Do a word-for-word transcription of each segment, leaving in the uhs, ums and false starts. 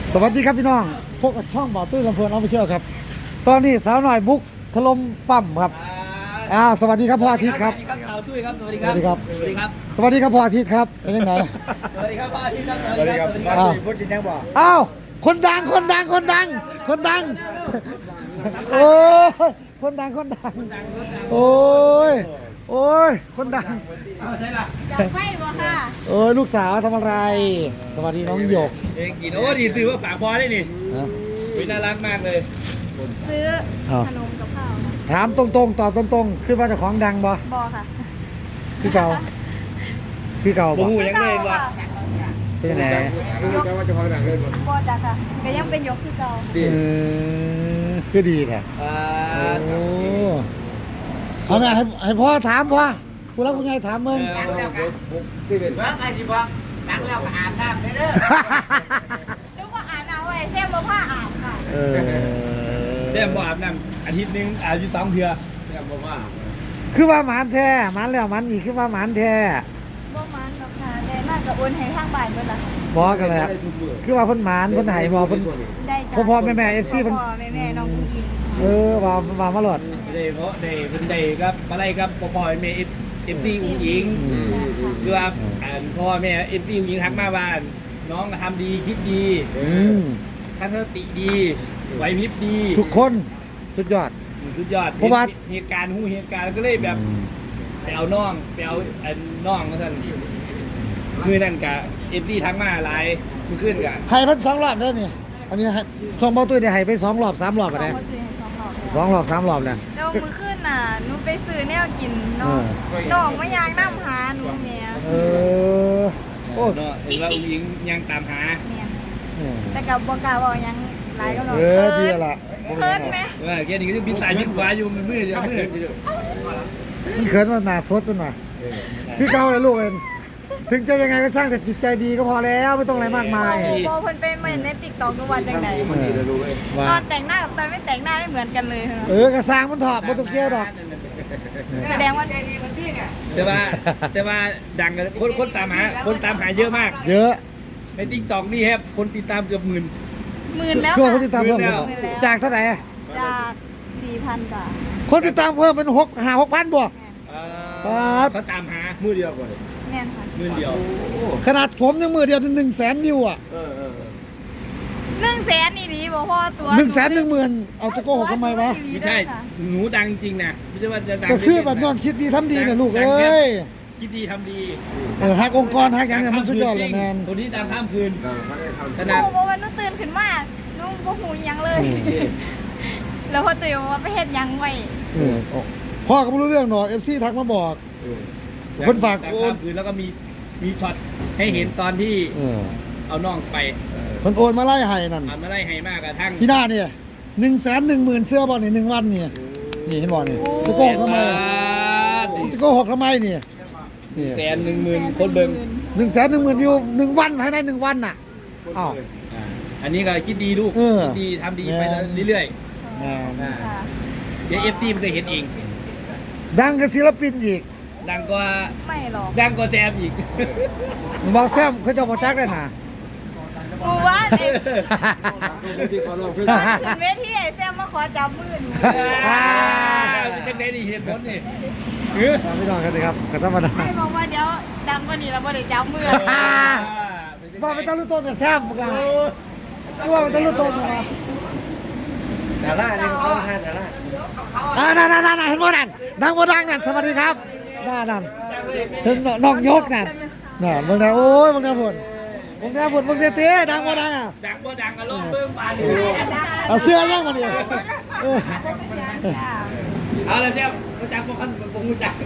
สวัสดีครับพี่น้องพวกช่องบ่อตุ้ยลำเพลินออฟฟิเชียลครับตอนนี้สาวหน่อยบุกถล่มปั๊มครับอ่าสวัสดีครับพ่ออาทิตย์ครับสวัสดีครับข่าวตุ้ยครับสวัสดีครับสวัสดีครับสวัสดีครับสวัสดีครับพ่ออาทิตย์ครับเป็นยังไงสวัสดีครับพ่ออาทิตย์ครับสวัสดีครับสวัสดีครับอ้าวพูดกินยังบ่อ้าวคนดังคนดังคนดัง คนดังโอ้ยคนดังคนดังโอ้ยโอ้ยคนดังเอาใช่ล่ะจะไม่บ่ค่ะโอ้ยลูกสาวทำอะไร สวัสดีน้องหยกเองกินโอ้ดีซื้อว่าฝากพอได้นี่นะวิน่ารักมากเลยซื้ออ้าวขนมกับข้าวค่ะถามตรงๆตอบตรงๆคือว่าเจ้าของดังบ่บอค่ะคือเก่าคือเก่าบ่บ่หูยังเลยว่ะเป็นยังไงรู้จักว่าจะพอหนังเล่นบ่บอจ้ะค่ะก็ยังเป็นยกคือเก่าดีเออคือดีแท้อ่าโอ้เอาแม่ให้ให้พ่อถามพ่อผู้รักผู้ใหญ่ถามมึงตั้งแล้วครับสิเด็ดว่าไงดีวะตั้งแล้วก็อาบน้ำได้เด้อนึกว่าอ่านเอาไว้แซ่บบ่ผ้าอ่านค่ะเออเดี๋ยวบ่อาบน้ำอาทิตย์นึงอาบอยู่สองเทื่อเนี่ยบอกว่าคือว่าหมานแท้หมานแล้วหมานอีกคือว่าหมานแท้บ่มันหรอกค่ะได้มากกับโอนให้ทางบ้านเพิ่นล่ะบอกกันเลยคือว่าเพิ่นหมานเพิ่นให้บ่เพิ่นได้จ้ะพ่อพ่อแม่แม่ เอฟ ซี เพิ่นพ่อแม่แม่น้องกุ้งกินเออว่าว่ามาหลดได้เพราะได้เพิ่นได้ครับอะไรครับพ่อพ่อแม่เอฟเอฟซีอุ้งอิงอืมคือว่าอ่านพ่อแม่เอฟซีอุ้งอิงทักมาว่าน้องทำดีคิดดีอืมทัศนคติดีไหวพริบดีทุกคนสุดยอดสุดยอดเพราะว่าเหตุการณ์หูเหตุการณ์ก็เลยแบบไปเอาน้องไปเอาไอ้น้องมาท่านมือนั่นกะเอฟซีทักมาหลายมือขึ้นกะให้เพิ่นสองรอบเด้อนี่อันนี้ให้ช่องเบาตุ้ยได้ให้ไปสองรอบสามรอบสออ่ะงนะคนซื้อให้สองรอบสองรอบสามรอบแล้วแล้วมื้อคืนน่ะหนูไปซื้อแนวกินน้องเออน้องมาอยากนำหาหนูแม่เออโอ้เนาะเห็นว่าอุ้งอิงยังตามหาแม่เออแต่ก็บ่กล้าเว้าหยังหลายก็น้องเออดีละเคินไหมเออแกนี่ก็พิษสายพิษขวาอยู่มือมือจะมือมันเขินว่าหน้าสดมันมาพี่เก่าเลยลูกเอ็นถึงจะยังไงก็ช่างแต่จิตใจดีก็พอแล้วไม่ต้องอะไรมากมายโอ้เพิ่นเป็นเหมือนใน TikTok ทุกวันจังได๋มันดีแล้วรู้เว้ยว่าตอนแต่งหน้ากับตอนไม่แต่งหน้าไม่เหมือนกันเลยค่ะเออกระซางมันถอดมันต้องเกี่ยวดอกแสดงว่าแต่ว่าแต่ว่าดังกันคนคนตามหาคนตามหาเยอะมากเยอะในติ๊กต็อกนี่ครับคนติดตามเกือบหมื่นหมื่นแล้วคือว่าค่ะคนติดตามเพิ่มหมื่นแล้วเหรอจากเท่าไหร่จาก สี่พัน บาทคนติดตามเพิ่มเป็นหกหาหกพันบวกเอ่อครับเขาตามหามือเดียวก่อนแน่นค่ะหมื่นเดียวขนาดผมยังมือเดียวหนึ่งแสนวิวอ่ะเออเออหนึ่งแสนนี่ดีบ่พ่อตัวหนึ่งแสนหนึ่งหมื่นเอาจะโกหกทำไมวะไม่ใช่หนูดังจริงๆนะไม่ใช่ว่าจะดังก็คือเล่ๆแบบนอนคิดดีทำดีเนี่ยลูกดังเอ้ยคิดดีทำดีเออหักองค์กรหักอย่างเนี่ยมันสุดยอดเลยแมนคนที่ดังข้ามคืนเออเขาได้ทำขนาดโอ้โหวันนู้นตื่นขึ้นมาหนุ่งบ่หูหยังเลย แล้วพอตื่นมาไปเฮ็ดหยังไว้เออพ่อก็ไม่รู้เรื่องหรอกเอฟซีทักมาบอก คนฝากดังโอข้าน มคืนแล้วก็มีมีช็อตให้เห็นตอนที่เออเอาน้องไปคนโอนมาไล่ให้นั่นทำมาไล่ให้มากกระทั่งพี่หน้าเนี่ยหนึ่งแสนหนึ่งหมื่นเสื้อบอลนี่หนึ่งวันเนี่ยนี่เห็นบอลนี่จะโกหกทำไมจะโกหกทำไมเนี่ยนี่แสนหนึ่งหมื่นคนเบิ่งหนึ่งแสนหนึ่งหมื่นวิวหนึ่งวันภายในหนึ่งวันน่ะอ้าวอ่าอันนี้ก็คิดดีลูกเออคิดดีทำดีไปแม่เรื่อยแหมๆอ่าค่ะเดี๋ยวเอฟซีมันจะเห็นเองดังกับศิลปินอีกดังกว่าไม่หรอกดังกว่าแซมอีกบอกแซมเขาจะบอกจักได้น่ะหมู่บ้านเองที่เขาลองเพื่อนขึ้นเวทีไอ้แซมมาขอจับมือหนูอ่าจังไดนี่เหตุผลนี่เออพี่น้องกันสิครับกันธรรมดาให้บอกว่าเดี๋ยวดังกว่านี้แล้วบ่ได้จับมือว่าไม่ต้องรู้ต้นแต่แซมกันว่าไม่ต้องรู้ต้นนะดาราเนี่ยเขาห้าดาราอ่านั่นนั่นนั่นเห็นบ่นั่นดังบ่ดังนั่นสวัสดีครับน่านั่นถึงน้องยกนั่นน่ะบางทีโอ้ยบางทีผลบางทีผลบางทีเต้ดังบ่ดังอ่ะดังบ่ดังก็ลงเบิ่งปานนี่เอาเสื้อย่างมาดิเออเอาละแซมบ่จักบ่คันบ่ฮู้จัก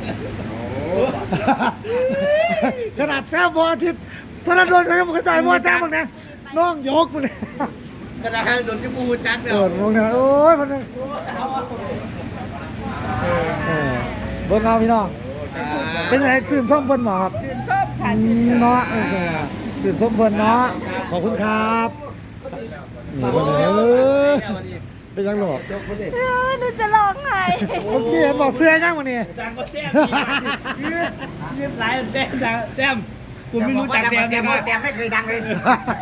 ขนาดแซมพออาทิตย์ธนดลเขายังไม่เข้าใจบ่จ้างบางทีน้องยกมาเนี่ยกระดาษโดนที่บ่ฮู้จักแล้เอวอมองเนี่ยโอ้ยมันเนี่ยเออเบิ่งเอาพี่น้องเป็นไงสื่นส้มเพิ่นหมอครับชื่นชอบค่ะอืมเนาะเออสื่นส้มเพิ่นเนาะขอบคุณครับนี่เพิ่นเลยเออเป็นยังหรอเออหนูจะร้องไห้เมื่อกี้เห็นบอกเสื้อย่างมาเนี่ยดังก็แซมยืดยืดหลายแซมแซมคุณไม่รู้จักแซมแซมแซมไม่เคยดังเลย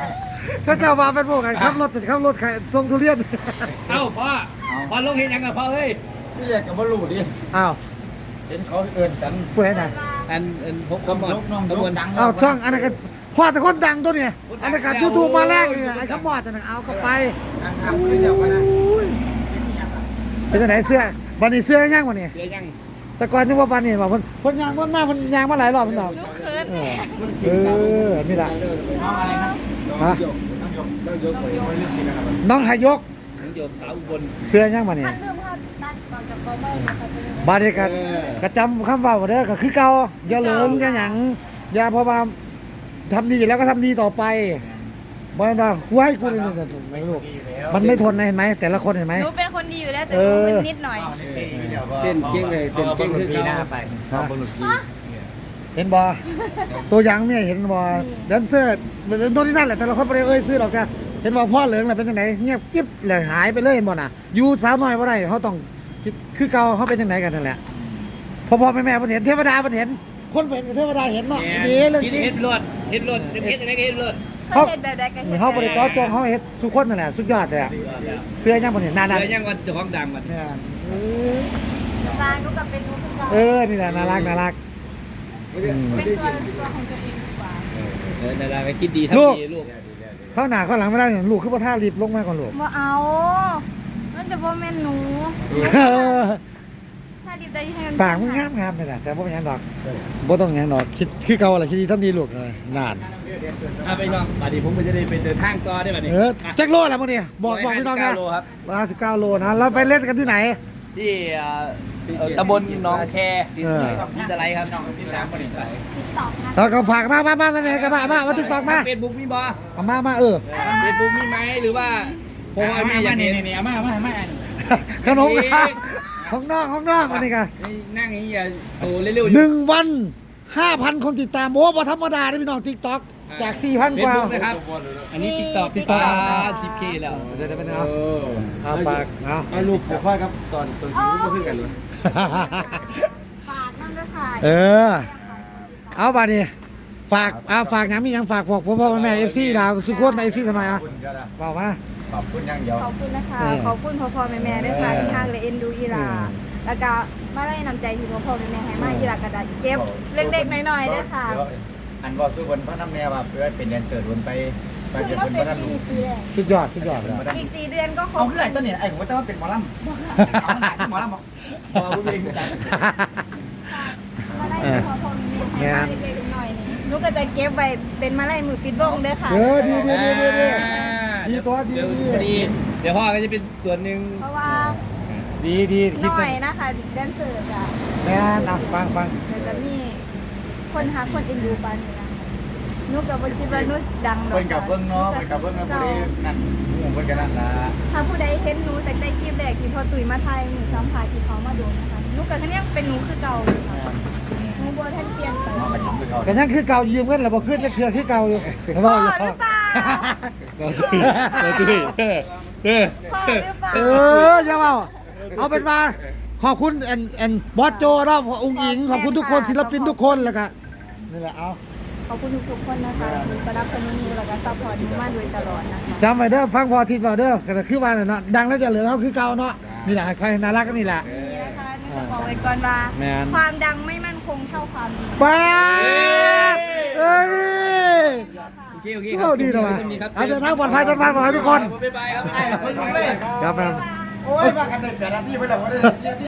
เขาเจ้ามาเป็นพวกกันขับรถติดขับรถใครส่งทุเรียนเอ้าพ่อพ่อลงเห็นยังกับพ่อเฮ้ยนี่แหละกับบอลลูดิอ้าวเห็นเขาเอินกันผู้ใดไหนอันอันผมสมยกน้องยกดังอ้าวช่องอันนั้นก็พ่อแต่คนดังตัวเนี่ยอันนั้นก็ยูทูบมาแรกเลยไอ้ขมอดอันนั้นเอาเข้าไปดังทำขึ้นเดียวกันนะเป็นจังไหนเสื้อบันนี้เสื้อย่างวันนี้เดี๋ยวยังแต่ก่อนนึกว่าบันนี้บอกเพิ่นเพิ่นยางวันหน้าเพิ่นยางมาหลายรอบเพิ่นบอกลูกเขินเออเออนี่แหละน้องอะไรนะน้องยกน้องยกน้องยกไม่เล่นสินะครับน้องหายกถึงโยมสาวอุบลเสื้อย่างวันนี้ท่านเริ่มเข้าตัดก่อนกับกอไม่นะคะจะเริ่มบาดนี้ก็ก็จำคำเว้าเด้อก็คือเก่าอย่าเหลิงอย่าหยังอย่าเพราะว่าทำดีแล้วก็ทำดีต่อไปบ่ว่ากูให้กูนี่ๆไม่รู้มันไม่ทนนะเห็นไหมแต่ละคนเห็นไหมหนูเป็นคนดีอยู่แล้วแต่เอหนูอมึนนิดหน่อยเต้นเก่งเลยเต้นเก่งคือกีหน้าไปเขาบอลลูกีเห็นบ่ตัวอย่างเนี่ยเห็นบ่แดนเซอร์โน่นนี่นั่นแหละแต่ละคนบ่ได้เอ่ยชื่อหรอกจ้ะเห็นบ่พ่อเหลิงน่ะเป็นจังไดเงียบกิ๊บเลยหายไปเลยเห็นบ่น่ะอยู่สาวน้อยบ่ได้เขาต้องคิดคือเก่าเขาเป็นจังไดกันนั่นแหละพ่อพ่อแม่แม่เพิ่นเห็นเทวดาเพิ่นเห็นคนเพิ่นเทวดาเห็นเนาะอีดีเรื่องกินจริงเห็ดรถเห็ดรถเห็ดอะไรก็เห็ดรถเขาเห็นแบบใดกันนี่เขาบ่ได้เจาะจงเขาเฮ็ดทุกคนนั่นแหละสุดยอดเลยอะเสื้อยังบ่เห็นหน้านั่นเดี๋ยวยังวันเจ้าของดังมันเนี่ยเออตาหนูกับเป็นหนูคือเก่าเออนี่แหละน่ารักน่ารักอืมเป็นตัวเป็นตัวของตัวเองดีกว่าเออนั่นแหละก็คิดดีลูกทำดีลูกเข้าหน้าเข้าหลังไม่ได้เนี่ยลูกคือบ่ท่ารีบลงมาก่อนลูกบ่เอามันจะบ่แม่นหนูเออถ้าดีใจให้มันปากมึงงามงามเลยนะแต่บ่เป็นหยังดอกบ่ต้องหยังดอกคิดคือเก่าแหละคิดดีทำดีลูกเออนานถ้าไปน้องบัดนี้ผมก็จะได้ไปเดินทางต่อได้บัดนี้เออแจ็คโลแล้วมื้อนี้บอกบอกพี่น้องนะโลครับร้อยห้าสิบเก้าโลนะเราไปเล่นกันที่ไหนที่เอ่อเอ่อตำบลหนองแคเออมิสไลครับน้องมิสไลบริษัทติ๊กต็อกนะตอนก็ฝากมามามามาไหนกันมามามา TikTok มาเฟซบุ๊กมีบ่เอามามาเออเฟซบุ๊กมีไหมหรือว่าเพราะว่าแม่อยากเห็นนี่เอามาเอามาเอามาขนมนะของน้องของน้องอันนี้กันนี่นั่งอย่างนี้อย่าโตเร็วๆอยู่หนึ่งวันห้าพันคนติดตามโอ้บ่ธรรมดาเด้อพี่น้อง TikTok จากสี่พันกว่าเฟซบุ๊นะครับ อันนี้ติ๊กต็อก TikTok สิบเคแล้วเดี๋ยวเดี๋ยวไปเอาเออเอาปากเอาเอารูปผมค่อยครับตอนตอนชีวิตก็คือกันเลยฝากนั่นด้วยค่ะเออ เอาบาดนี้ฝากเอาฝากหยังมีหยังฝากพวกพ่อพ่อแม่ เอฟ ซี ดาวทุกคนใน เอฟ ซี กันหน่อยอ่ะบอกมาขอบคุณอย่างเดียวขอบคุณนะคะเออขอบคุณพ่อพ่อแม่แม่ด้วยค่ะเออที่ทางเลยเอ็นดูอีหลาเออแล้วก็มาได้นำใจที่พ่อพ่อแม่แม่ให้มาอีหลากระดาษเก็บเล็กๆน้อยๆด้วยค่ะอันบอกสู้คนพระน้ำแม่ว่าเพื่อเป็นแดนเซอร์วนไปไปคือเป็นก็คนเป็นพระน้ำลูปีกปีแรกสุดยอดสุดยอดเลยอีกสี่เดือนก็ครเอาบคือไอ้ต้นเนี่ยไอ้ผมว่าเป็นหมอลำเอาหนักหมอลำบอกพอพูดเองจังมาได้พ่อพ่อแม่แม่ให้มาเล็กๆน้อยๆนี่หนูก็จะเก็บไว้เป็นมาไล่มือปิดวงเด้อค่ะเออดีดีดีดีดี ดีตัวดีเดี๋ยวดีเดี๋ยวพ่อก็จะเป็นส่วนหนึ่งเพราะว่าดีดีคิดน้กัอน ยนะคะแดนเซอร์จ้ะแม่นะฟังฟังเดี๋ยวจะมีคนหาคนเอ็นดูปานนี้นะหนูก็บ่คิดว่าหนูดังหรอกเพิ่นกับเบิ้งเนาะเพิ่นกับเบิ้งเนาะผู้ใดนั่นหมู่เพิ่นกันนั่นล่ะถ้าผู้ใดเห็นหนูแต่ได้คลิปแรกที่พอตุ๋ยมาไทยหนูสัมภาษณ์ที่เขามาดูนะคะหนูก็คันนี้เป็นหนูคือเก่าอยู่ค่ะหนูบ่ทันเปลี่ยนไปน้องก็ยิ้มคือเขากันยังคือเก่ายืมเงินแล้วบ่ขึ้นจะเครือคือเก่าอยู่พ่พ่ออหอยู่รือเปล่าเราจุ้ยเราจุ้ยเออเออพ่อหรือเปล่าเอออย่าเว้าเอาเป็นว่าขอบคุณแอนแอนบอสโจเนาะองค์อิงขอบคุณทุกคนศิลปินทุกคนแล้วก็นี่แหละเอาขอบคุณทุกๆคนนะคะที่สนับสนุนหนูแล้วก็ซัพพอร์ตหนูมาโดยตลอดนะคะจำไว้เด้อฟังพอทีเว้าเด้อก็คือว่าน่ะเนาะดังแล้วจะเหลือเขาคือเก่าเนาะนี่แหละใครน่ารักก็นี่แหละนี่นะคะหนูจะบอกไว้ก่อนว่าแม่นความดังไม่มั่นคงเท่าความดีป้าดเอ้ยโอเคโอเคเราดีนะวะเอาเดินทางปลอดภัยเดินทางปลอดภัยทุกคนบ๊ายบายครับไอ้คนลุกเลยครับแม่โอ้ยมากันเด็กแต่ละที่ไปแล้วว่าได้เสีย